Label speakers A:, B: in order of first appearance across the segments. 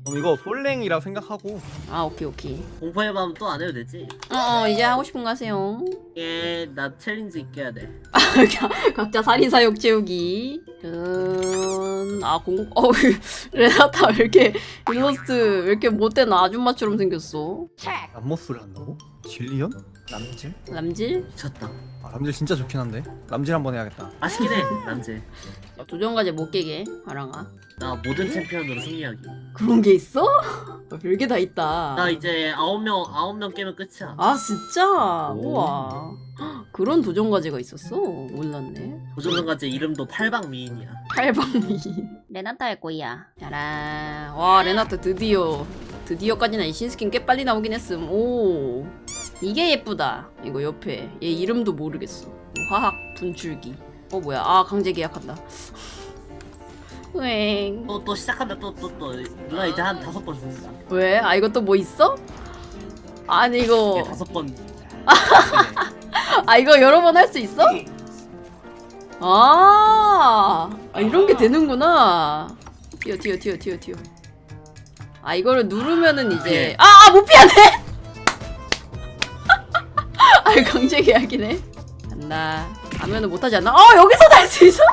A: 그럼 이거 솔랭이라 생각하고.
B: 아 오케이.
C: 공포의 밤 또 안 해도 되지?
B: 이제 하고 싶은 거 하세요.
C: 나 챌린지 있게 해야 돼.
B: 각자 살인사욕 채우기. 레나타 왜 이렇게 일러스트 왜 이렇게 못된 아줌마처럼 생겼어?
A: 람모스를 한다고? 질리언? 람질?
B: 람질?
C: 미쳤다.
A: 아 람질 진짜 좋긴 한데. 람질 한번 해야겠다.
C: 맛있긴 해, 남재.
B: 도전과제 못 깨게 하랑아.
C: 나 모든 챔피언으로 승리하기.
B: 그런 게 있어? 별게 다 있다.
C: 나 이제 9명 깨면 끝이야.
B: 아 진짜?
A: 오.
B: 우와. 헉, 그런 도전과제가 있었어? 몰랐네.
C: 도전과제 이름도 팔방미인이야.
B: 팔방미. 레나타 할 거야. 짜란. 와 레나타 드디어까지는 이 신스킨 꽤 빨리 나오긴 했음. 오 이게 예쁘다. 이거 옆에 얘 이름도 모르겠어. 화학 분출기. 뭐야? 아 강제 계약한다. 웽.
C: 또 시작한다. 또. 누나 이제 한 5번 했어.
B: 왜? 아 이거 또 뭐 있어? 아니 이거
C: 5번.
B: 이거 여러 번 할 수 있어? 이런 게 되는구나. 튀어. 이거를 누르면은 이제 못 피하네. 강제 계약이네. 간다. 가면은 못하지 않나? 여기서 날 수 있어?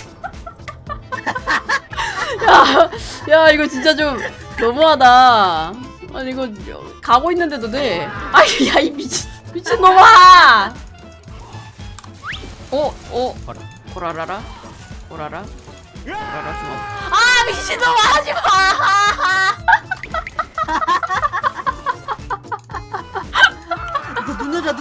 B: 야 이거 진짜 좀 너무하다. 아니 이거 가고 있는데도 돼. 야 이 미친놈아. 오라라 주먹. 미친놈아 하지마.
C: 이거 누나다.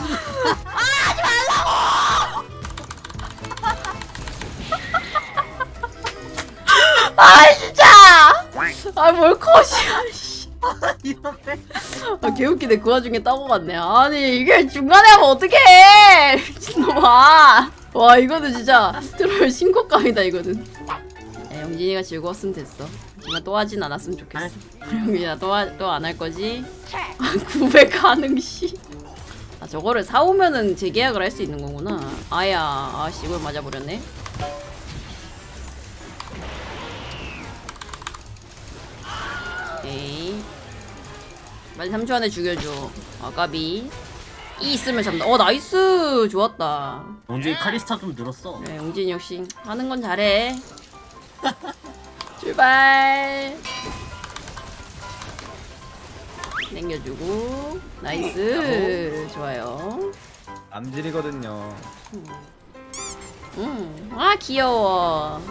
B: 진짜. 뭘 컷이야.
C: 이렇게.
B: 개웃기네. 그 와중에 따고 갔네. 아니 이게 중간에 하면 어떡해. 미친놈아. 와 이거는 진짜 트롤 신고감이다 이거는. 영진이가 즐거웠으면 됐어. 하지만 또 하진 않았으면 좋겠어. 영진아 또 안 할 거지? 900 가능 씨. 저거를 사오면은 재계약을 할 수 있는 거구나. 아씨 이걸 맞아버렸네. 오케이. 빨리 3초 안에 죽여줘. 까비. 이 있으면 잡는다. 나이스. 좋았다.
C: 영진이 카리스타 좀 늘었어.
B: 그래, 영진이 역시 하는 건 잘해. 출발. 당겨주고. 나이스. 좋아요.
A: 람질이거든요.
B: 귀여워.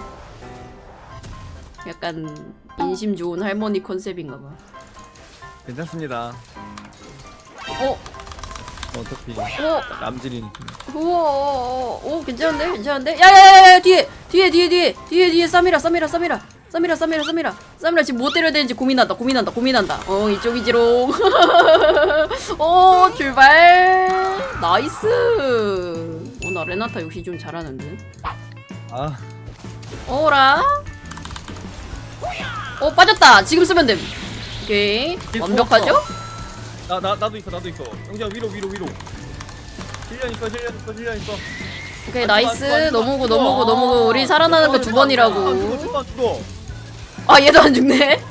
B: 약간 인심 좋은 할머니 컨셉인가 봐.
A: 괜찮습니다. 어차피 람질이니까.
B: 우와. 괜찮은데? 야야야야 뒤에 사미라 지금 뭐 때려야 되는지 고민한다. 이쪽이지롱. 출발. 나이스. 나 레나타 역시 좀 잘하는데. 오라. 빠졌다. 지금 쓰면 됨. 오케이. 완벽하죠?
A: 나도 있어. 영지야 위로. 실련 있어.
B: 오케이 나이스. 넘어오고 우리 살아나는 거 2번이라고.
A: 죽어.
B: 얘도 안 죽네.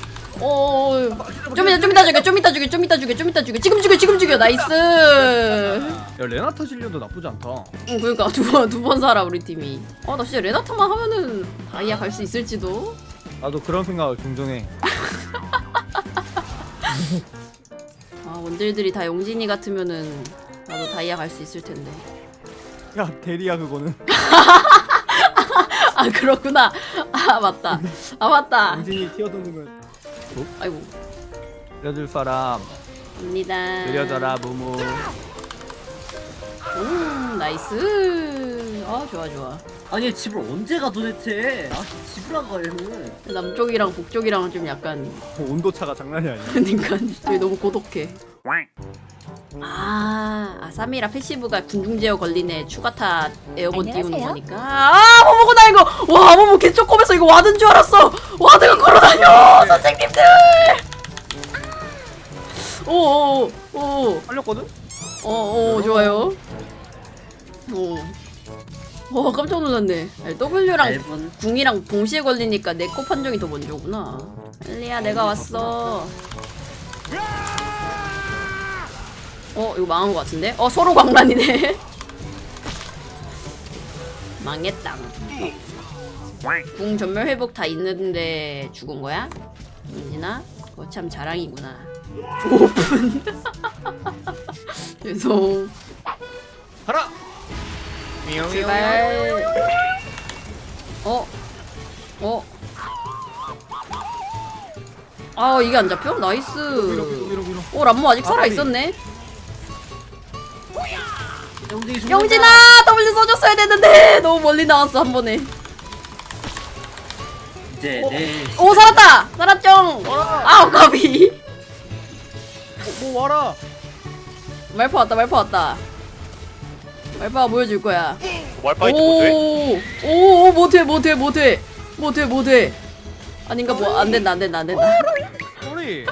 B: 좀 이따 죽여. 지금 죽여. 나이스.
A: 야 레나타 실련도 나쁘지 않다.
B: 그러니까 두 번 살아 우리 팀이. 나 진짜 레나타만 하면은 다이아 갈 수 있을지도.
A: 나도 그런 생각을 종종 해.
B: 원딜들이 다 용진이 같으면은 나도 다이아 갈 수 있을 텐데.
A: 야 대리야 그거는.
B: 그렇구나. 맞다.
A: 영진이 튀어드는 걸.
B: 아이고.
A: 알려줄 사람.
B: 갑니다.
A: 느려져라 무무.
B: 나이스. 좋아.
C: 아니 집을 언제 가 도대체? 집을 안 가 얘는.
B: 남쪽이랑 북쪽이랑 좀 약간
A: 온도 차가 장난이 아니야.
B: 그러니까 되게 너무 고독해. 사미라 패시브가 군중 제어 걸리네. 추가타 에어건 띄우는 거니까. 모모구나 이거. 와 모모 개쪼꼬면서 이거 와든 줄 알았어. 와드가 걸어다녀. 선생님들. 오.
A: 살렸거든?
B: 좋아요. 와 깜짝 놀랐네. 아니, W랑
C: 앨범
B: 궁이랑 동시에 걸리니까 내 코 판정이 더 먼저구나. 엘리야 내가 왔어. 이거 망한 것 같은데? 서로 광란이네. 망했다. 궁 전멸 회복 다 있는데 죽은 거야? 민진아? 그거 참 자랑이구나. 오픈. 죄송.
A: 가라.
B: 제발. 아 이게 안 잡혀? 나이스.
A: 밀어.
B: 람모 아직 살아 있었네.
C: 영진이 죽는다.
B: 영진아 W 써줬어야 됐는데 너무 멀리 나왔어 한 번에.
C: 이제 내
B: 오 살았다. 살았죠. 아우 까비.
A: 뭐 와라.
B: 말파 왔다. 말파가 보여줄 거야.
D: 말파이트 못해?
B: 오 못해. 아닌가 뭐 안 된다.
A: 소리.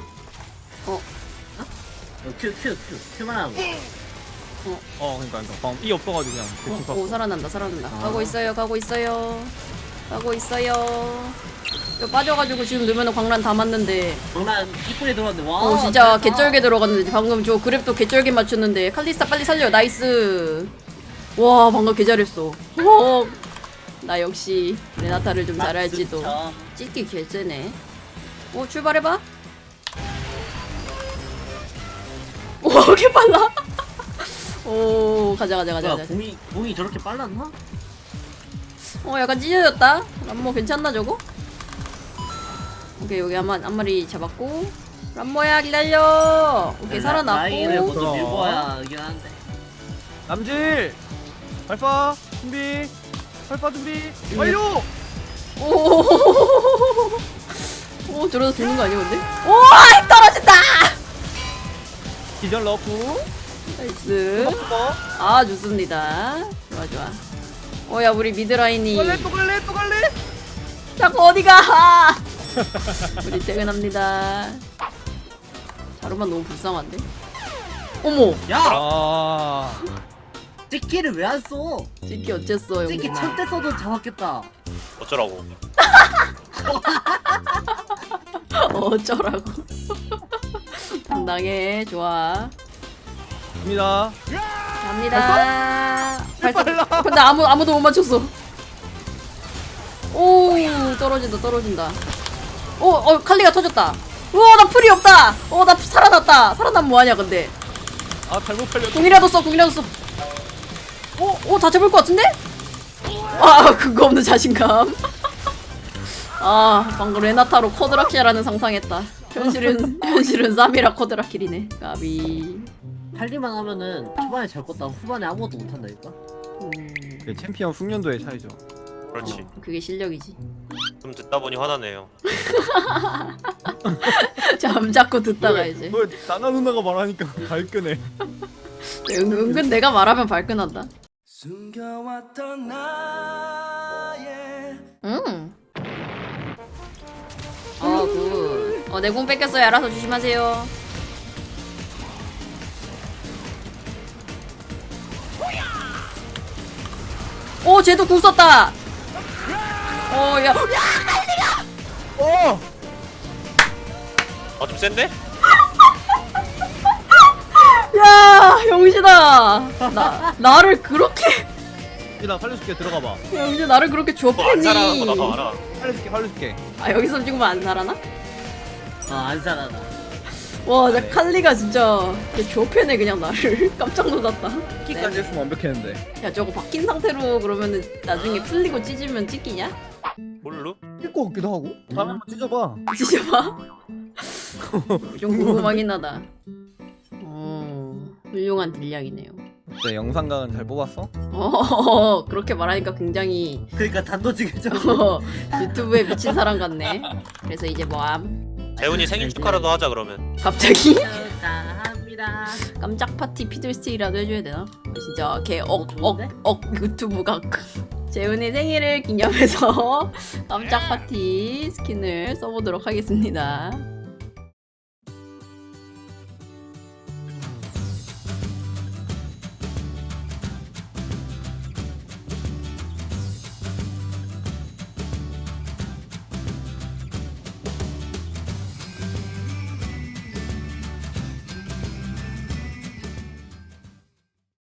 C: 큐만 하고.
A: 그러니까 방금 이 없어가지고 그냥 대충 가.
B: 오 살아난다. 가고 있어요. 이거 빠져가지고 지금 넣으면 광란 다 맞는데.
C: 장난 이쁘게 들어왔는데 와.
B: 진짜 개쩔게 들어갔는데 방금 저 그랩도 개쩔게 맞췄는데 칼리스타 빨리 살려. 나이스. 와 방금 개 잘했어. 나 역시 레나타를 좀 잘할지도. 찍기 개쎄네. 출발해봐. 오 개 빨라. 오 가자.
C: 공이 저렇게 빨랐나?
B: 약간 찢어졌다. 람모 괜찮나 저거? 오케이 여기 한 마리 잡았고. 람모야 기다려. 오케이
C: 라인을
B: 살아났고.
C: 먼저 밀고 와야 이긴 한데.
A: 남질. 발파 준비. 완료.
B: 오 저러다 죽는 거 아니야 근데? 오 떨어진다.
A: 기절 넣고.
B: 나이스.
A: 또
B: 아 좋습니다. 좋아. 야 우리 미드라인이
A: 또 갈래.
B: 자꾸 어디가? 우리 퇴근합니다. 자루만 너무 불쌍한데? 어머
C: 야!
A: 아.
C: 찍기를 왜 안 써?
B: 찍기 어쨌어
C: 찍기
B: 영진아.
C: 천대 써도 잡았겠다.
D: 어쩌라고.
B: 어쩌라고. 당당해. 좋아
A: 갑니다.
B: 갑니다. 근데 아무도 못 맞췄어. 오 떨어진다. 칼리가 터졌다. 우와 나 풀이 없다. 나 살아났다. 살아나면 뭐하냐 근데.
A: 아 잘못 팔렸다.
B: 궁이라도 써. 다 잡을 것 같은데? 근거 없는 자신감. 방금 레나타로 쿼드라킬이라는 상상했다. 현실은 사미라 쿼드라킬이네. 까비.
C: 팔리만 하면은 초반에 잘 껐다 후반에 아무것도 못 한다니까.
A: 챔피언 숙련도의 차이죠.
D: 그렇지.
B: 그게 실력이지.
D: 좀 듣다 보니 화나네요.
B: 잠자코 듣다가 이제.
A: 너 나나 누나가 말하니까 발끈해.
B: 은근 내가 말하면 발끈한다.
E: 숨겨왔던 나의
B: 굿. 내 공 뺏겼어요. 알아서 조심하세요. 쟤도 궁 썼다. 야.
D: 좀 센데?
B: 야, 영신아. 나를 그렇게.
A: 나 살려줄게. 들어가봐.
B: 영신 나를 그렇게
D: 안 살아나고 나도
B: 좁히니.
D: 알아.
A: 살려줄게.
B: 여기서 죽으면 안 살아나?
C: 안 살아나.
B: 와, 나 칼리가 진짜 좁혀내 그냥 나를. 깜짝 놀랐다.
A: 끼까지 했으면 완벽했는데.
B: 야, 저거 바뀐 상태로 그러면은 나중에 풀리고 찢으면 찢기냐?
D: 뭘로?
A: 낄것 같기도 하고. 다음에 한번 찢어봐.
B: 찢어봐. 좀 궁금하긴 하다. 훌륭한 딜량이네요.
A: 네, 영상각은 잘 뽑았어?
B: 그렇게 말하니까 굉장히
C: 그러니까 단도직입적.
B: 유튜브에 미친 사람 같네. 그래서 이제 뭐함?
D: 재훈이 생일 축하라도 하자 그러면.
B: 갑자기?
C: 축하합니다.
B: 깜짝 파티 피들스틱이라도 해줘야 되나? 진짜 걔
C: 좋은데?
B: 유튜브가 재훈이 생일을 기념해서 깜짝 파티 스킨을 써보도록 하겠습니다.